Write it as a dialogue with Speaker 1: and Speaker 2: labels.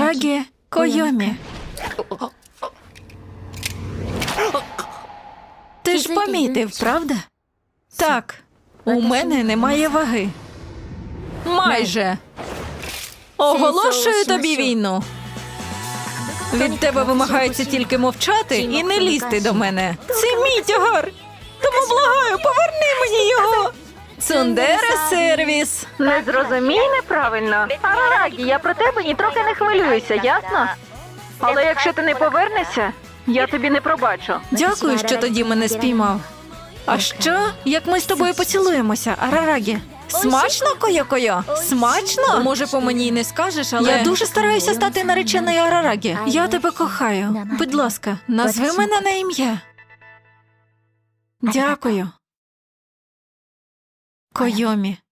Speaker 1: Арарагі Койомі. Ти ж помітив, правда? Так, у мене немає ваги. Майже. Оголошую тобі війну. Від тебе вимагається тільки мовчати і не лізти до мене. Це мій тягар. Тому благаю, поверни мені його. Цундере сервіс.
Speaker 2: Не зрозумій неправильно. Арарагі, я про тебе нітрохи не хвилююся, ясно? Але якщо ти не повернешся, я тобі не пробачу.
Speaker 1: Дякую, що тоді мене спіймав. А що, як ми з тобою поцілуємося, Арарагі? Смачно, Койо-Койо? Смачно? Може, по мені й не скажеш, але... Я дуже стараюся стати нареченою Арарагі. Я тебе кохаю. Будь ласка, назви мене на ім'я. Дякую. Койомі.